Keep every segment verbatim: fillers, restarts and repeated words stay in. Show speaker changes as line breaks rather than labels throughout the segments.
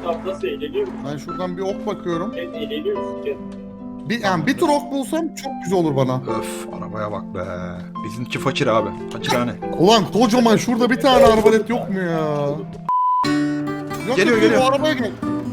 bak nasıl eğleniyoruz.
Ben şuradan bir ok bakıyorum.
Kendi eğleniyoruz. Kendi.
Bir, yani bir tur ok bulsam çok güzel olur bana.
Öf arabaya bak be. Bizimki fakir abi. Fakirhane.
Ulan kocaman şurada bir tane arbalet yok mu ya? Yok,
Geliyor,
yok,
geliyor.
Bu arabaya gel.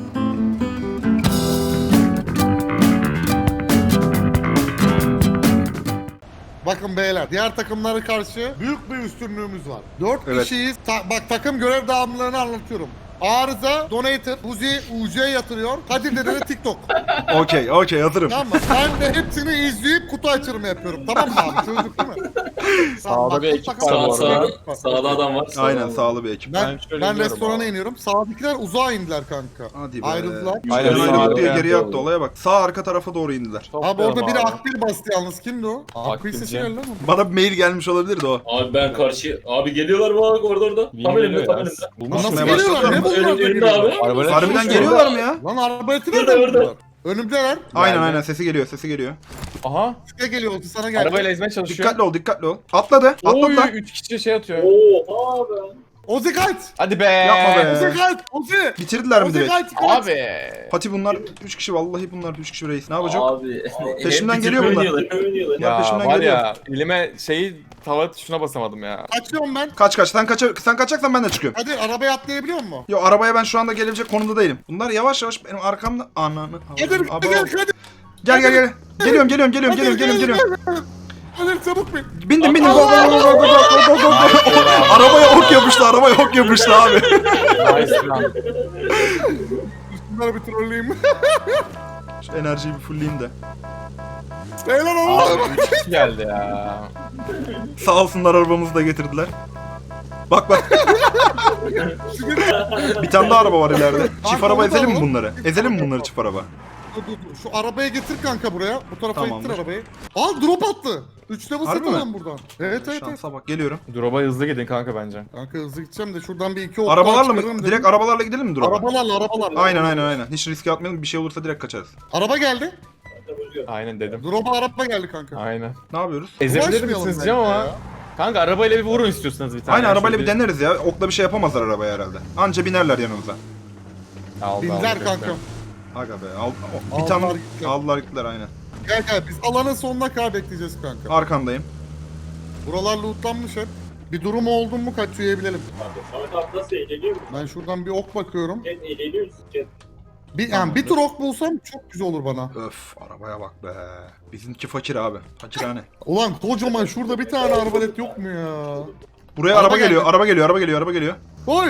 Bakın beyler, diğer takımlara karşı büyük bir üstünlüğümüz var. Dört
Evet.
kişiyiz. Ta- bak takım görev dağılımlarını anlatıyorum. Arıza, Donator, Uzi, U C yatırıyor. Kadir Dede de TikTok.
Okey okey hazırım.
Tamam mı? Ben de hepsini izleyip kutu açılımı yapıyorum. Tamam mı abi? Çözdük değil mi? Tamam,
Sağda
bak,
bir
bu
ekip
takım-
Sağ,
var bu
sağ,
Bak,
sağda adam var.
Aynen sağlı bir ekip.
Ben,
Ben şöyle
ben
gidiyorum
restorana
abi.
iniyorum. Sağdakiler uzağa indiler kanka.
Hadi be.
Ayrıldılar.
Aynen,
Aynen
sağ
aynen diye
arkaya
geriye attı
doğru.
olaya bak. Sağ arka tarafa doğru indiler.
Abi orada biri
abi.
akbil bastı yalnız. Kimdi o? Akbil
Akbilci.
sesi geldi ama.
Bana bir mail gelmiş olabilirdi o.
Abi ben karşı... Abi geliyorlar mı abi orada orada? Tam elimde tam elimde.
Bulmuş
Nasıl
Basmaya
geliyorlar?
başladı
Ne
mı?
buldular?
Önümde
Önümde
abi.
Arabayla
Harbiden
çıkmış
geliyorlar mı ya?
Lan arbaleti
Burada,
nereden
burada.
buldular? Önümdeler.
Aynen
Geldi.
aynen sesi geliyor sesi geliyor.
Aha.
Size geliyor. Sana geldi.
Arabayla ezmeye çalışıyor.
Dikkatli ol dikkatli ol. Atladı
Oy,
atladılar.
üç kişi şey atıyor.
Oha be.
Ozi kaç.
Hadi be.
Yapma be.
Ozi kaç. Ozi.
Bitirdiler mi
Ozi
direkt?
kaç. kaç.
Abi.
Fatih bunlar üç kişi vallahi bunlar üç kişi reis. Ne yapacak?
Abi.
Peşimden
Hep
geliyor bunlar.
oynuyorlar, hep oynuyorlar.
Bunlar
Ya
peşimden
var
geliyor.
ya elime şeyi tava tuşuna basamadım ya.
Kaçıyorum ben.
Kaç kaç sen kaç sen kaçacaksan ben de çıkıyorum.
Hadi arabaya atlayabiliyor musun?
Yo arabaya ben şu anda gelebilecek konumda değilim. Bunlar yavaş yavaş benim arkamda ananı.
Hadi
Abo.
gel hadi.
Gel gel gel. Geliyorum geliyorum geliyorum
Hadi,
geliyorum geliyorum
gel,
geliyorum.
Hadi çabuk bin.
Bindim bindim. Go go go go go go go go go. Arabaya ok yapıştı arabaya ok yapıştı abi.
Nice lan.
Bunları bir trolleyeyim.
Şu enerjiyi bir fullleyeyim de.
Beyler Allah'ım.
Abi üç kişi geldi ya.
Sağ olsunlar arabamızı da getirdiler. Bak bak. Bir tane daha araba var ileride. Çift
Kanka,
araba
onu da
ezelim mi
alalım.
bunları? Ezelim mi bunları çift araba?
Dur, dur, dur. Şu arabayı getir kanka buraya. Bu tarafa
Tamamdır.
ittir arabayı. Aa drop attı. üç level
Harbi
set
mi?
alalım buradan. Evet evet evet.
Şansa bak geliyorum.
Drop'a hızlı gidin kanka bence.
Kanka hızlı gideceğim de şuradan bir iki ok
Arabalarla
çıkarırım
mı?
dedim.
Direkt arabalarla gidelim mi drop'a?
Arabalarla arabalarla.
Aynen aynen aynen. Hiç riske atmayalım. Bir şey olursa direkt kaçarız.
Araba geldi.
Aynen dedim.
Drop'a araba geldi kanka.
Aynen.
Ne yapıyoruz?
Ezebilir
Uğraşmayalım
misiniz
bence
diyeceğim ama.
ya.
Kanka arabayla bir vurun istiyorsanız bir tane.
Aynen arabayla bir
Şöyle
deneriz ya. Okla bir şey yapamazlar arabaya herhalde. Anca binerler yanımıza.
Aldı,
Binler
aldı,
kanka.
bekle.
Aga be. Al, o- bir
Aldılar
tane
gittiler.
aldılar gittiler aynen.
Gel gel biz alanın sonuna kadar bekleyeceğiz kanka.
Arkandayım.
Buralar lootlanmış hep. Bir durum oldu mu kaç üyebilelim.
Abi Samet abi nasıl eğleniyoruz.
Ben şuradan bir ok bakıyorum.
Kendi eğleniyoruz. Kendi.
Bir, yani bir tur ok bulsam çok güzel olur bana.
Öf arabaya bak be. Bizimki fakir abi. Fakirhane.
Ulan kocaman şurada bir tane arbalet yok mu ya?
Buraya
Araba
araba, geliyor.
geldi.
Araba geliyor. Araba geliyor. Araba geliyor.
Oy!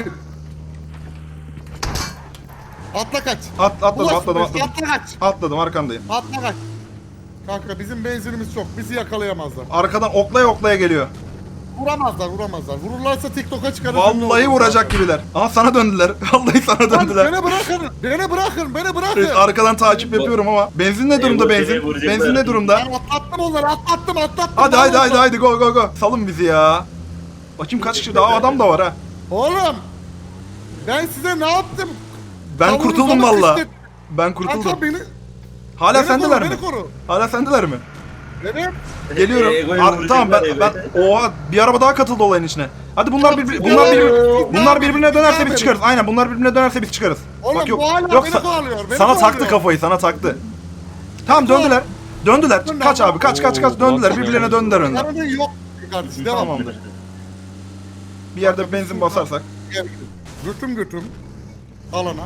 Atla kaç.
At, atladım
Ulaş
atladım
buraya,
atladım.
Atla kaç.
Atladım arkandayım.
Atla kaç. Kanka bizim benzinimiz çok. Bizi yakalayamazlar.
Arkadan oklaya oklaya geliyor.
Vuramazlar vuramazlar. Vururlarsa TikTok'a çıkarız.
Vallahi vuracak gibiler. Aha sana döndüler. Vallahi sana
Lan
döndüler.
beni bırakın. Beni bırakın. Beni bırakın.
Evet, arkadan takip yapıyorum ama. Benzin ne durumda
Eyvah,
benzin?
seni vuracaklar.
Benzin ne durumda?
Ben atlattım onları. Atlattım atlattım.
Hadi
Ben
haydi haydi
onları-
haydi go go go. Salın bizi ya. Bakayım kaç kişi daha adam da var ha.
Oğlum. Ben size ne yaptım?
Ben
Tavuğunuza
kurtuldum
mı
valla.
kıştı-
Ben kurtuldum.
Kanka beni...
Hala
beni
sendeler
koru,
mi?
Beni koru.
Hala sendeler mi?
Evet.
Geliyorum.
Egoyu
Ar-
vuracaklar,
tamam ben
evet.
ben oha bir araba daha katıldı olayın içine. Hadi bunlar bir, bunlar bir, bunlar birbirine dönerse biz çıkarız. Aynen bunlar birbirine dönerse biz çıkarız.
Oğlum
Bak yok.
bu hala
Yok
beni
sa-
kovalıyor. Beni
sana taktı
kovalıyor.
kafayı, sana taktı. Tamam döndüler. Döndüler.
Döndüler.
Kaç abi kaç kaç kaç
Oo,
döndüler.
bak-
Birbirlerine döndüler önden.
Karının yok. Kardeşim devam.
Tamamdır. Bir yerde benzin basarsak.
Gel. Götüm götüm. Alana.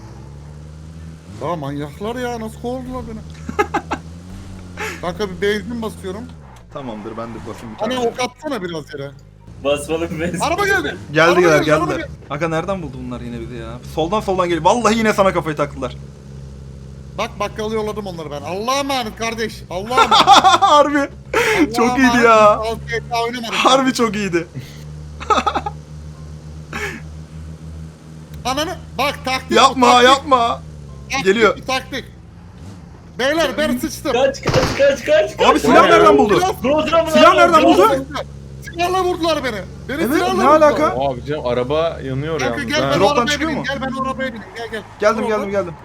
Ya manyaklar ya nasıl kovdular beni. Kanka bir benzin basıyorum.
Tamamdır ben de basayım bir
Hani
tane.
ok atsana biraz yere.
Basmalı bir benzin.
Araba geldi.
Geldiler
Araba geldi, araba
geldiler.
geldi.
Aga nereden buldu bunlar yine bizi ya? Soldan soldan geliyor. Vallahi yine sana kafayı taktılar.
Bak bakkala yolladım onları ben. Allah'a emanet kardeş. Allah'a emanet.
Harbi.
Allah'a
Çok iyiydi
emanet.
ya.
Az kez daha oynamadım.
Harbi çok iyiydi.
Ananı bak taktik. bu,
Yapma
taktik.
yapma.
Taktik,
Geliyor.
Taktik. Beyler ben sıçtım.
Kaç kaç kaç kaç.
Abi silah nereden buldu?
Rozra mı?
Silah nereden buldu?
Silahla vurdular beni. Beni
Evet,
silahla
ne
vurdular.
alaka?
Abi canım araba yanıyor
Kanka
yalnız.
gel
ha.
ben
Drop'tan
arabaya
çıkıyor
bineyim.
mu?
Gel ben arabaya bineyim. Gel gel.
Geldim
Dur
geldim
orada.
geldim.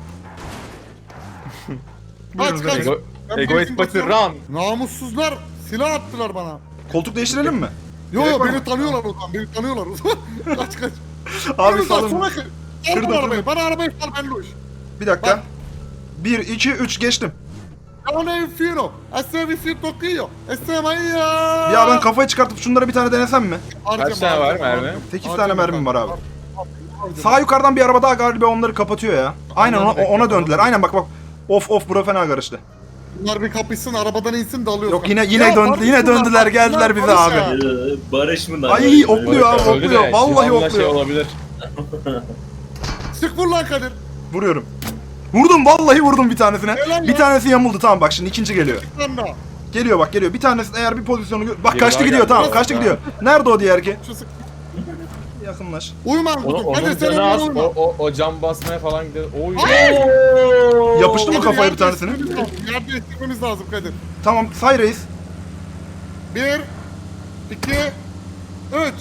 Kaç
Buyurun
kaç.
Ego.
Ego,
Ben
egoist
benzin
pati
basıyorum.
run.
Namussuzlar silah attılar bana.
Koltuk değiştirelim mi?
Yo
Gerek
yo
var
beni
mı?
tanıyorlar o zaman. Beni tanıyorlar. kaç kaç.
Abi
Yürü lan,
salın.
sola kır. Al
Kırdım,
bana arabayı.
kırdım.
Bana arabayı sal ben Luş.
Bir dakika.
Bak.
bir, iki, üç geçtim.
Yo ne infino. Esse vicino Tokyo. Esse maya.
Ya ben kafayı çıkartıp şunlara bir tane denesem mi?
Kaç tane var mermi?
sekiz tane mermim var abi. Sağ yukarıdan bir araba daha galiba onları kapatıyor ya. Aynen ona, ona döndüler. Aynen bak bak. Of of bura fena karıştı.
Bunlar bir kapışsın, arabadan insin dalıyor.
Yok yine yine döndü yine döndüler geldiler bize abi.
Ee, Barış mı lan?
Ay okluyor abi
Öldü de,
okluyor. Vallahi
Şivan'la şey
okluyor.
olabilir.
Sık vur lan Kadir.
Vuruyorum. Vurdum vallahi vurdum bir tanesine.
Helal
Bir
lan.
tanesi yamuldu tamam bak şimdi ikinci geliyor.
Lan da.
Geliyor bak geliyor. Bir tanesi eğer bir pozisyonu gö- bak
Biri
kaçtı
daha
gidiyor
geldi.
tamam
Evet.
kaçtı gidiyor. Nerede o diğer ki?
Şu sık.
Yakınlaş.
Uyuma.
Onu, onun
Kadir sen
canı
onunla
az.
uyuma.
O, o, o cam basmaya falan gidiyor. Oy.
Yapıştı mı
Kadir,
kafaya bir
yerde
tanesini?
istirmemiz lazım, Yerde istirmemiz lazım Kadir.
Tamam say reis.
Bir, iki, üç.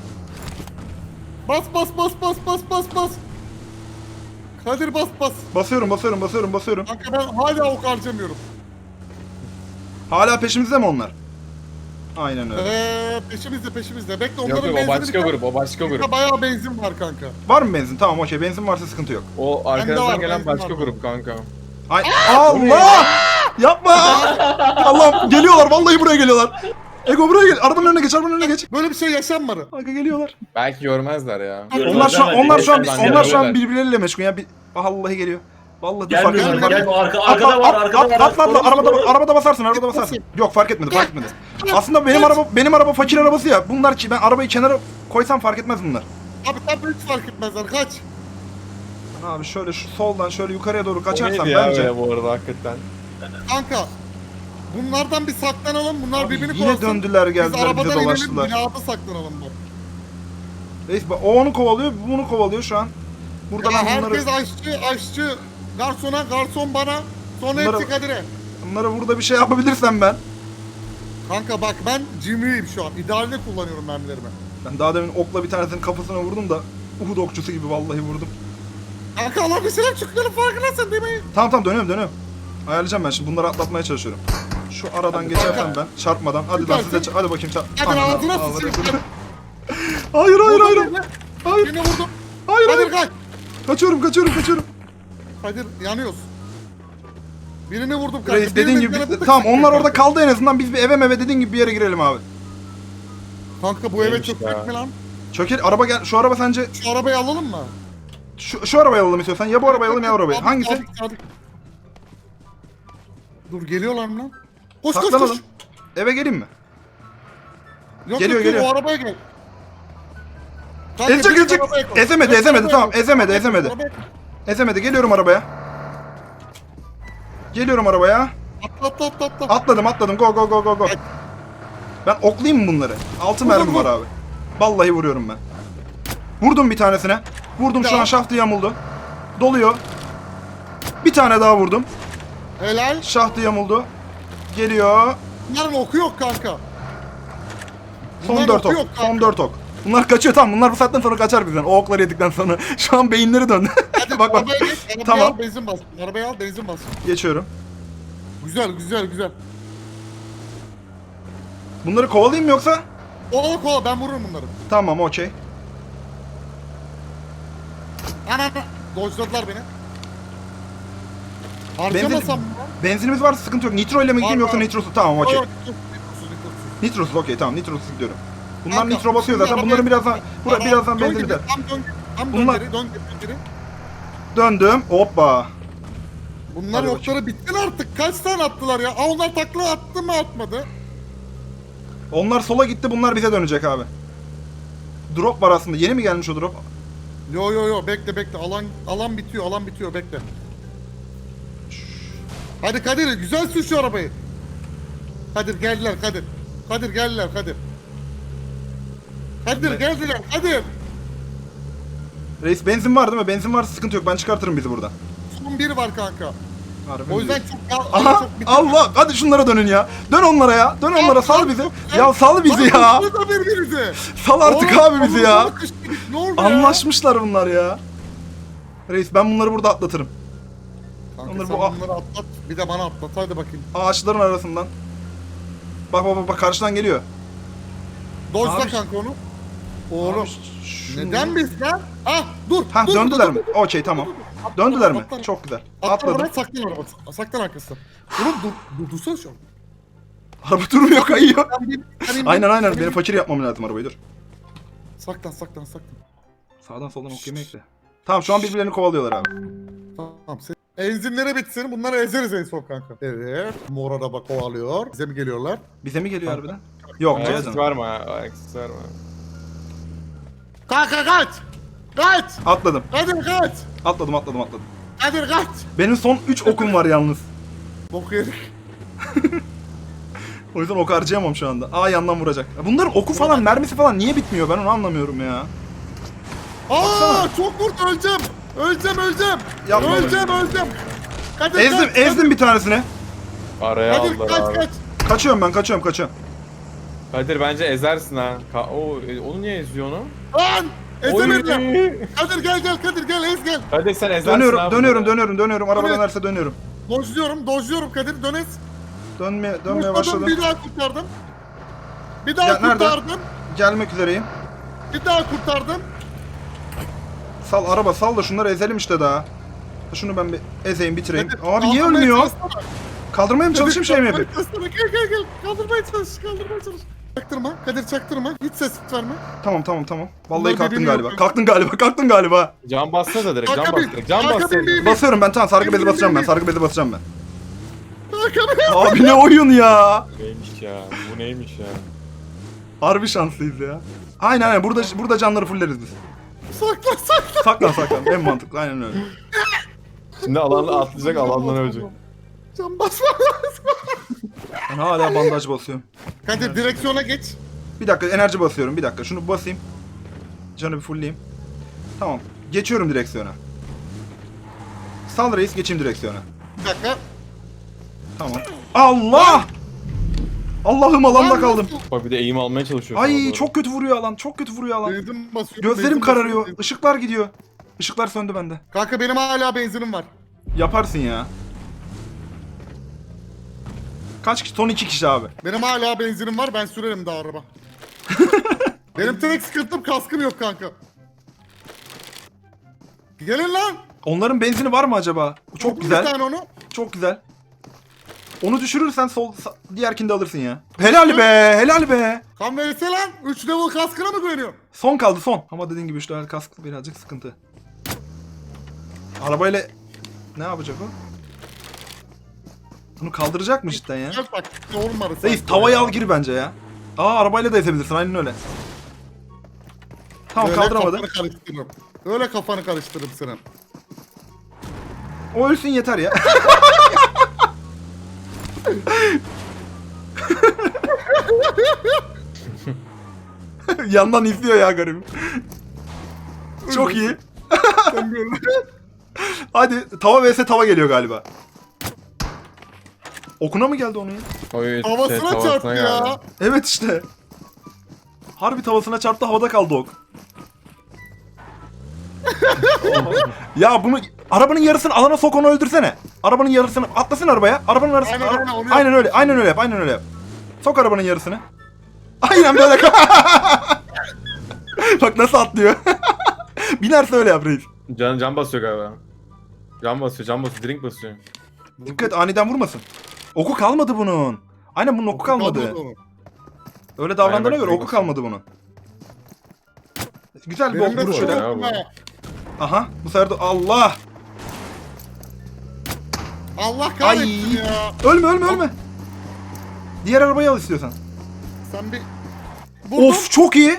Bas bas bas bas bas bas bas. Kadir bas bas.
Basıyorum basıyorum basıyorum basıyorum.
Kanka ben hala ok harcamıyorum.
Hala peşimizde mi onlar? Aynen öyle.
Eee peşimizde peşimizde. Bekle
Yok
onların
yok o
benzini
başka
biter.
grup o başka grup.
Kanka bayağı benzin var kanka.
Var mı benzin? Tamam okey benzin varsa sıkıntı yok.
O
var,
arkanızdan gelen
benzin
başka
var.
grup kanka.
Ay Allah! Yapma! Allah'ım geliyorlar vallahi buraya geliyorlar. Ego buraya gel. Arabanın önüne geç, arabanın önüne geç.
Böyle bir şey yaşanmadı.
Kanka geliyorlar.
Belki görmezler ya.
Onlar şu an onlar şu an
Görmezler,
onlar şu an
görmezler.
birbirleriyle meşgul ya. Bir vallahi geliyor. Vallahi dur fark
Gelmiyor
etmedi.
gelmiyor.
Fark
Arka, arkada var arkada var.
Atla atla
Koru,
arabada
koru.
arabada basarsın arabada basarsın. Yok fark etmedi fark etmedi. Aslında benim araba benim araba fakir arabası ya. Bunlar ki ben arabayı kenara koysam fark etmez bunlar.
Abi tabii hiç fark etmezler. Kaç.
Abi şöyle şu soldan şöyle yukarıya doğru
O
kaçarsam
neydi ya
bence.
böyle bu arada hakikaten.
Kanka. Bunlardan bir saklanalım. Bunlar
Abi
birbirini
yine
korusun.
döndüler
Biz
geldiler bize
arabadan inelim.
dolaştılar.
Binada saklanalım bak.
Reis bak, o onu kovalıyor bu bunu kovalıyor şu an. Burada
Ya
ben bunları,
herkes aşçı, aşçı. Garsona, garson bana. Sonra
Bunları-
hepsi Kadir'e.
bunlara burada bir şey yapabilirsem ben.
Kanka bak ben cimriyim şu an. İdealde kullanıyorum mermilerimi.
Ben daha demin okla bir tanesinin kafasına vurdum da Uhud okçusu gibi vallahi vurdum.
Kanka Allah bir şeyler çıkıyor farkındasın değil mi?
Tamam tamam dönüyorum dönüyorum. Ayarlayacağım ben şimdi bunları atlatmaya çalışıyorum. Şu aradan geçersem ben çarpmadan. Hadi lan size ç- hadi bakayım çarp.
Hadi
Anam,
ağzına
ağzına
sıçayım.
koydum. Hayır hayır hayır. Hayır. Hayır.
Yine vurdum.
Hayır
Kadir
hayır.
kaç.
Kaçıyorum kaçıyorum kaçıyorum.
Kadir yanıyoruz. Birini vurdum kanka.
Reis dediğin
birini
gibi
yanılttık.
tamam onlar orada kaldı en azından biz bir eve meve dediğin gibi bir yere girelim abi.
Kanka bu eve
Neymiş
çökmek
ya?
mi lan?
Çöker araba gel şu araba sence
Şu arabayı alalım mı?
şu, şu arabayı alalım istiyorsan ya bu arabayı alalım ya o arabayı.
Sadık,
Hangisi?
sadık, sadık. Dur geliyorlar mı lan? Koş koş koş.
Saklanalım. Eve geleyim mi?
Yok
Geliyor,
yok yok
geliyor.
o arabaya gel. Kanka,
Gelecek
direkt
gelecek.
arabaya koş.
Ezemedi
Direkt
ezemedi
arabaya
tamam
koş.
ezemedi ezemedi.
Arabaya koş.
Ezemedi geliyorum arabaya. Geliyorum arabaya.
Atla atla atla atla.
Atladım atladım go go go go go. Ben oklayayım mı bunları? Altı
Vur,
mermi
vur,
var abi. Vallahi vuruyorum ben. Vurdum bir tanesine. Vurdum şu
Ya.
an şaftı yamuldu. Doluyor. Bir tane daha vurdum.
Helal.
Şahtı yamuldu. Geliyor.
Bunların oku yok kanka.
Son
Bunların
dört
oku
ok.
yok
Son
kanka.
dört ok. Bunlar kaçıyor tamam. Bunlar bu saatten sonra kaçar bizden. O okları yedikten sonra. Şu an beyinleri döndü.
Hadi
bak bak.
arabaya geç. Arabaya
Tamam.
al benzin bas. Arabaya al benzin bas.
Geçiyorum.
Güzel güzel güzel.
Bunları kovalayayım mı yoksa?
Kovala kovala ben vururum bunları.
Tamam okey.
Ana ana. Dojladılar beni.
Benzin,
Harcamasam mı?
benzinimiz varsa sıkıntı yok. Nitro ile mi gideyim
Var,
yoksa
var.
nitrosuz? Tamam okey.
Yok, yok, nitrosuz, nitrosuz.
Nitrosuz okey tamam nitrosuz gidiyorum. Bunlar
Kanka,
nitro basıyor
şimdi
zaten.
arabaya-
Bunların birazdan bura,
Tamam,
birazdan
dön
benzin
geri,
biter.
Tam dön geri, tam dön
Bunlar-
geri, dön geri, dön geri.
Döndüm. Hoppa.
Bunlar
Hadi
okları bittin artık. Kaç tane attılar ya? Aa onlar takla attı mı atmadı?
Onlar sola gitti. Bunlar bize dönecek abi. Drop var aslında. Yeni mi gelmiş o drop?
Yo yo yo bekle bekle alan alan bitiyor alan bitiyor bekle. Hadi Kadir güzel sür şu arabayı. Kadir geldiler Kadir. Kadir geldiler Kadir. Kadir geldiler Kadir.
Reis benzin var değil mi? Benzin varsa sıkıntı yok. Ben çıkartırım bizi buradan.
Son bir var kanka.
Harbi
O
mi
yüzden
diyorsun?
çok
Aha
çok bitti.
Allah hadi şunlara dönün ya. Dön onlara ya. Dön onlara sal bizi. Ya sal bizi ya.
Lan da birbirinize.
Sal artık
Oğlum,
abi bizi ya.
omuzuna kışkırtık, ne oldu ya?
Anlaşmışlar bunlar ya. Reis ben bunları burada atlatırım.
Kanka
Onları
sen
bu-
bunları atlat bir de bana atlat hadi bakayım.
Ağaçların arasından. Bak bak bak, bak karşıdan geliyor.
Dojla
Abi-
kanka onu. Oğlum.
Şunu-
Neden biz lan? Ah dur.
Ha
dur,
döndüler
dur,
mi?
dur,
Okey tamam. Döndüler mi?
Atlar.
Çok güzel.
Atla
Atladım.
bana saklan arabası. Saklan arkasına. Oğlum dur. Dur dursana şu an.
Araba durmuyor, kayıyor.
Ben bir- ben bir-
Aynen aynen.
ben
Benim
bir-
fakir yapmam lazım arabayı, dur.
Saklan saklan saklan.
Sağdan soldan ok yemeği ekle. Tamam şu an birbirlerini kovalıyorlar abi.
Tamam sen. Enzinlere bitsin. Bunları ezeriz en son kanka. Evet. Mor araba kovalıyor. Bize mi geliyorlar?
Bize mi geliyor harbiden? Yok
Ayak sesi
Ceyhan.
var mı? Ayak sesi var mı?
Kanka kaç. Kaç.
Atladım.
Kadir kaç.
Atladım atladım atladım.
Kadir kaç.
Benim son üç okum var yalnız.
Bok yedik.
O yüzden ok harcayamam şu anda. Aa yandan vuracak. Bunların oku falan, mermisi falan niye bitmiyor? Ben onu anlamıyorum ya.
Aa çok vurdu öleceğim. Öleceğim öleceğim.
Yapma.
Öleceğim öleceğim. Kadir
Ezdim,
kaç.
ezdim bir tanesini.
Araya
Kadir
aldılar
kaç
abi.
kaç.
Kaçıyorum ben, kaçıyorum, kaçıyorum.
Kadir bence ezersin ha. Ka o, e, onu niye eziyor onu?
Lan. Ezemedim.
Oy.
Kadir gel gel Kadir gel ez gel.
Kadir sen ezersin
Dönüyorum,
abi.
dönüyorum, dönüyorum, dönüyorum. Araba
Evet.
dönerse dönüyorum.
Dojluyorum dojluyorum Kadir dön ez.
Dönmeye, dönmeye
Kurtardım,
başladım.
bir daha kurtardım. Bir daha
Ya, nerede?
kurtardım.
Gelmek üzereyim.
Bir daha kurtardım.
Sal araba, sal da şunları ezelim işte daha. Şunu ben bir ezeyim, bitireyim.
Kadir,
Abi niye
kaldırmaya
ölmüyor?
çalışsana.
Kaldırmaya mı çalışayım, şey mi yapayım?
Kaldırmaya çalışsana. Gel gel gel. Kaldırmaya çalış. Kaldırmaya çalış. Çaktırma. Kadir çaktırma. Hiç ses verme.
Tamam tamam tamam. Vallahi
Bunlar
kalktın
birbirini
galiba.
yok.
Kalktın galiba. Kalktın galiba.
Can bassa da direkt. Can
Arka
bas
bin,
direkt. Can
arka
bas
bin,
direkt.
bin, bin.
Basıyorum ben, tamam sargı bezi
Bin, bin,
basacağım ben.
bin.
Sargı bezi basacağım ben.
Kadir.
Abi ne oyun ya.
Neymiş ya? Bu neymiş ya?
Harbi şanslıyız ya. Aynen aynen, burada burada canları fulleriz biz.
Saklan saklan.
Saklan saklan, en mantıklı, aynen öyle.
Şimdi alanla atlayacak, alandan ölecek.
Can basma lazım.
Ben hala bandaj basıyorum.
Kadir direksiyona geç.
Bir dakika enerji basıyorum, bir dakika şunu basayım. Canı bir fullleyeyim. Tamam, geçiyorum direksiyona. Sal reis, geçeyim direksiyona.
Bir dakika.
Tamam. Allah! Allah'ım alanda
Lan
kaldım.
nasıl?
Bak bir de eğim almaya çalışıyor. sana
Ay
doğru.
çok kötü vuruyor alan, çok kötü vuruyor alan.
Benzin basıyorum.
Gözlerim
benzin
kararıyor,
basıyorum.
ışıklar gidiyor. Işıklar söndü bende.
Kanka benim hala benzinim var.
Yaparsın ya. Kaç kişi? Son iki kişi abi.
Benim hala benzinim var. Ben sürerim daha araba. Benim tek sıkıntım kaskım yok kanka. Gelin lan.
Onların benzini var mı acaba? Çok
Vurdum Bir
güzel,
tane onu.
çok güzel. Onu düşürürsen sol sa- diğerkini de alırsın ya. Helal be, helal be.
Kan verirse lan. üç level kaskına mı güveniyorum?
Son kaldı son. Ama dediğin gibi üç level kask birazcık sıkıntı. Arabayla ne yapacak o? Bunu kaldıracak mı cidden ya?
Gel bak. Olmadı.
Reis tavayı al gir bence ya. Aa arabayla da ezebilirsin, aynen öyle. Tamam,
Öyle
kaldıramadı.
kafanı karıştırırım. Öyle kafanı karıştırırım senin.
O ölsün yeter ya. Yandan izliyor ya garibim. Çok iyi.
Sen böyle.
Hadi tava vs tava geliyor galiba. Okuna mı geldi onun ya?
Oy,
Havasına
şey,
çarptı ya.
geldi.
Evet işte. Harbi tavasına çarptı, havada kaldı ok. Ya bunu arabanın yarısını alana sok, onu öldürsene. Arabanın yarısını atlasın arabaya. Arabanın yarısını.
Aynen,
Ara-
aynen, onu yap.
aynen öyle. Aynen öyle yap. Aynen öyle yap. Sok arabanın yarısını. Aynen böyle. Bak nasıl atlıyor. Binerse öyle yap reis.
Can, can basıyor galiba. Can basıyor, can basıyor, drink basıyor.
Dikkat, aniden vurmasın. Oku kalmadı bunun. Aynen bunun oku kalmadı.
onu.
Öyle davrandığına
Aynen, bak,
göre oku
basıyor.
kalmadı bunun. Güzel bir
Benim
ok
de
vuruş öyle.
sorun.
sorun
ya bu.
var.
Aha bu sefer de Allah.
Allah kahretsin
Ay.
ya.
Ölme ölme ölme. Diğer arabayı al istiyorsan.
Sen bir... Vurdum.
Of çok iyi.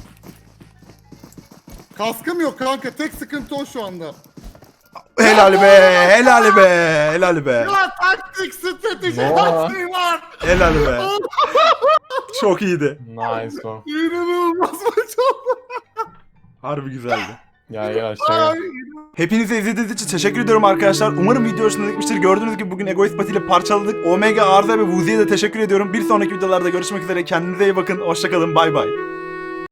Kaskım yok kanka. Tek sıkıntı o şu anda.
Helal be, helal be, helal be.
Ya taktik strateji
Ne
her şey var.
Helal be. Çok iyiydi.
Nice one.
İnanılmaz maç oldu.
Harbi güzeldi.
Ya gel aşağı
Ay.
gel.
Hepinize izlediğiniz için teşekkür ediyorum arkadaşlar. Umarım video hoşunuza gitmiştir. Gördüğünüz gibi bugün Egoist Pati ile parçaladık. Omega, Arza ve Vuzi'ye de teşekkür ediyorum. Bir sonraki videolarda görüşmek üzere. Kendinize iyi bakın. Hoşçakalın. Bay bay.